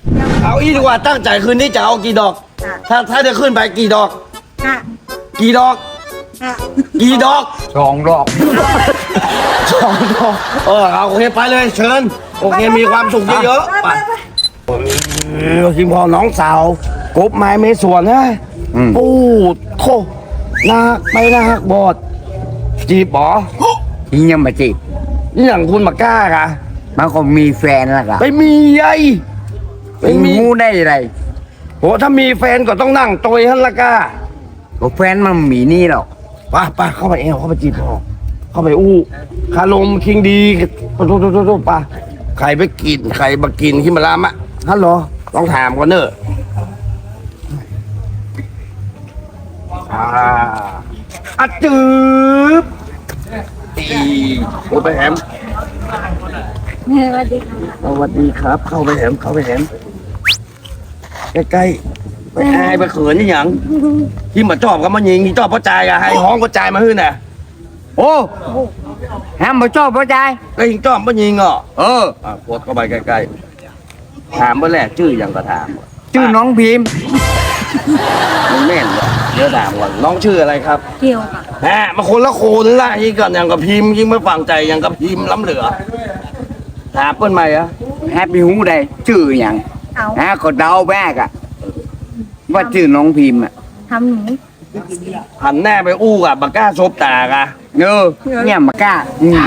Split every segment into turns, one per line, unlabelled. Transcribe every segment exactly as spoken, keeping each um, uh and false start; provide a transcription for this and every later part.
เอาอีดีกว่าตั้งใจคืนนี้จะเอากี่ดอกถ้าถ้าจะขึ้นไปกี่ดอกกี่ดอกกี่ดอก
สองดอก
สองดอกเออเอาโอเคไปเลยเชิญโอเคมีความสุขเยอะๆไปคิมพอน้องสาวกบไม้เมสวนนะปูดโคนาไม่นาฮักบอดจีบหรอ
ที่ยังมาจีบ
นี่อย่างคุณมากล้ากะ
มันก็มีแฟนแล้วกัน
ไม่มีไอ้
ไม่มีงูได้ไร
โหถ้ามีแฟนก็ต้องนั่งโตยฮันละก้า
ก็แฟนมันมีนี่หรอก
ป่ะป่ะเข้าไปเอวเข้าไปจีบพอเข้าไปอู้คาลมคิงดีปะโตโตโตโตป่ะใครไปกินใครมากินที่มาลามะฮัลโหลต้องถามก่อนเนอะอ่าอัดจืบอีโอ้ไปแหม
สวัสดีค่ะ
สวัสดีครับเข้าไปแหมเข้าไปแหมใกล้ๆไปอายไปเขินนี่หยังที่มาจอบก็มายิงที่จอบพ่อใจอะให้ห้องพ่อใจมาขึ้นน่ะโอ้
แฮมมาชอบพ่อใจ
ก็ยิงจอบพ่อยิงอ่ะเอออ่ะโคตรเข้าไปใกล้ๆถามเมื่อแรกชื่อยังก็ถาม
ชื่อน้องพิมพ์
มันแม่นเลยเดี๋ยวถามก่อนน้องชื่ออะไรครับ
เกียวค่ะ
แหมมาคนละโคนละยิ่งก่อนอย่างกับพิมพ์ยิ่งไม่ฟังใจอย่างกับพิมพ์ล้ำเหลือถามเปิ้ลใหม่อะ
แฮปปี้ฮูได้ชื่ออย่างฮะก็เดาแบกอะว่าชื่อน้องพิมพ์อะ
ทำหนู
หันแน่ไปอู้กับบักก้าซบตากะ
เออเนี่ยมากล้า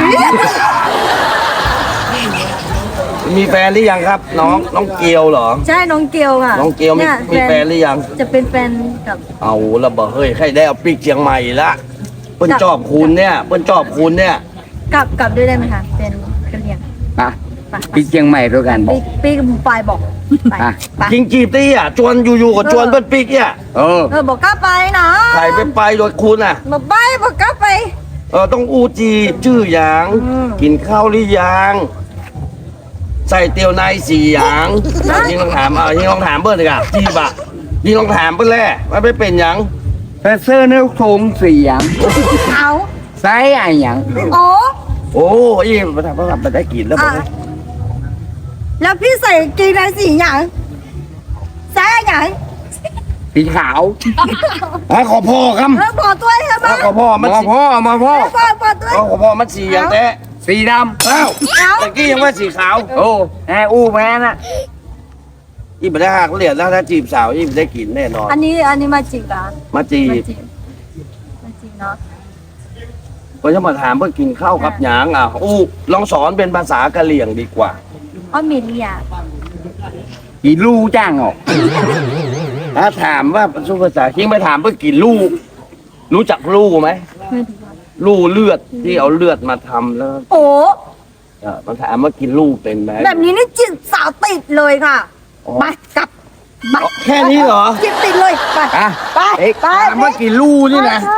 มีแฟนหรือยังครับน้องน้องเกียวเหรอ
ใช่น้องเกียวค่ะ
น้องเกียวมีมีแฟนหรือยัง
จะเป็นแฟนกับ
เอาละบ่เฮ้ยใครได้เอาปีกเชียงใหม่ละเปิ้ลจอบคุณเนี่ยเปิ้ลจอบคุณเนี่ย
กลับกลับด้วยได้ไหมคะเป็นกะเหรี่ยง
อ่ะปีเชียงใหม่ด้วยกันบอก
ปีกับปลายบอก
จริงจีบตี้อ่ะจวนอยู่ๆกับจวนเปิ้ลปีกเนี่ย
เออ
เออบอกกล้าไปนะ
ใครไปไปโดยคุณอ่ะ
บอกไปบอกกล้าไป
เออต้องอูจีชื่ออย่างกินข้าวหรือยังใส่เตียวในสี่อย่างยิงลองถามเอายิงลองถามเบิ้ลเลยค่ะจีบะยิงลองถามเบิ้ลแร่ว่าไม่เป็นอย่าง
แฟเซอร์เนื้อทงสี่อย่าง
เอา
ไซอะไรอย่าง
โอ้
โอ้ยมาทำมาทำมาได้กินแล้วมั้ย
แล้วพี่ใส่กีในสี่อย่างไซอย่าง
สีขาว
อ่ะขอพ่อครับ
ขอตัวใช่ไหม
ขอพ่อ
มาพ่อมาพ่อ
พ่อพ่อตัว
ขอพ่อมันสีอย่างแต่
สีดำ
อ้าวตะกี้ยังว่าสีขาว
โอ้แออู้แม่น่ะ
อีบัได้หักเหรียญแล้วถ้าจีบสาวอีบัได้กินแน่นอน
อันนี้อันนี้มาจีบเหรอ
มาจีบ
มาจีบเนาะ
ก็จะมาถามเพื่อกินข้าวกับหยางอ่ะอู้ลองสอนเป็นภาษากะเหรี่ยงดีกว่า
อ๋อเมีย
กี่ลูกจ้างออก
ถ้าถามว่าสุภาษาคิงไปถามเพื่อกี่ลูกรู้จักลูกไหมลูกเลือดที่เอาเลือดมาทำแล้ว
โอ้
เออมันถามว่ากินลูกเป็นไหม
แบบนี้นี่จิตสาวติดเลยค่ะไปกลับ
แค่นี้เหรอ
จิตติดเลยไปไปไป
ถามว่ากี่ลูกนี่นะ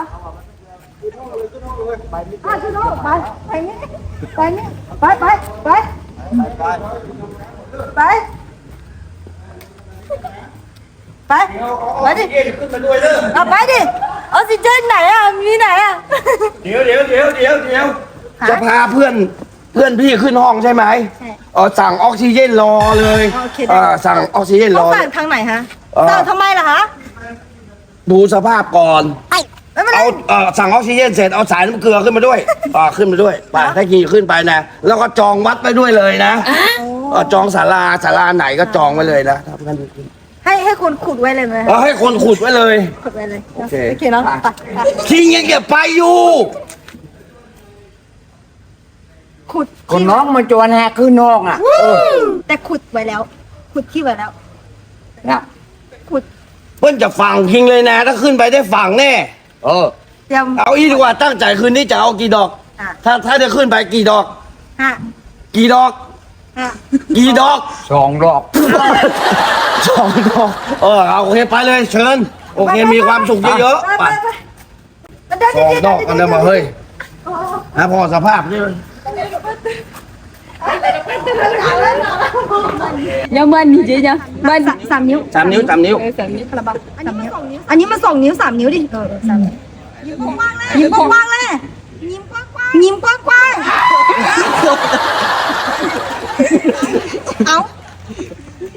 ไปไปไปนี่ไปนี่ไปไปไปไปไปไปดิเอาไปดิออกซิเจนไหนอ่ะมีไหนอ่ะ
เดี๋ยวเดี๋ยวเดี๋ยวเดี๋ยวเดี๋ยวจะพาเพื่อนเพื่อนพี่ขึ้นห้องใช่ไหมใช่เออสั่งออกซิเจนรอเลยเออสั่งออกซิเจนรอ
สั่งทางไหนฮะสั่งทำไมล่ะฮะ
ดูสภาพก่อนเอาเออสั่งออกซิเจนเสร็จเอาสายน้ำเกลือขึ้นมาด้วยอ่าขึ้นมาด้วยไปถ้าขี่ขึ้นไปนะแล้วก็จองวัดไปด้วยเลยนะจองศาลาศาลาไหนก็จองไว้เลยนะทำกันดี
ให้ให้คนขุดไว้เลยไหม
เออให้คนขุดไว้เลย
ขุดไว้เลย
โอเค
โอเคเนาะ
คิงยังเก็บไปอยู่
ขุด
คนน้องมาจวนแฮขึ้นนอกอ่ะ
แต่ขุดไว้แล้วขุดที่ไว้แล้ว
นะ
ขุด
เพิ่นจะฝังคิงเลยนะถ้าขึ้นไปได้ฝังแน่เออเอาอีดีกว่าตั้งใจคืนนี้จะเอากี่ดอกถ้าถ้าจะขึ้นไปกี่ดอกกี่ดอกกี่ดอก
สองดอก
สองดอกเออเอาโอเคไปเลยเชิญโอเคมีความสุขเยอะๆไปสองดอกกันเลยมาเฮ้ยนะพอสภาพนี่
ยังมันนี่จีจ้ะมันสามนิ้ว
สามนิ้วสามนิ้ว
สามนิ้วกระบังอันนี้สองนิ้วอันนี้มาสองนิ้วสามนิ้วดิเออสามยิ้มกว้างเลยยิ้มกว้างเลยยิ้มกว้างยิ้มกว้างเอา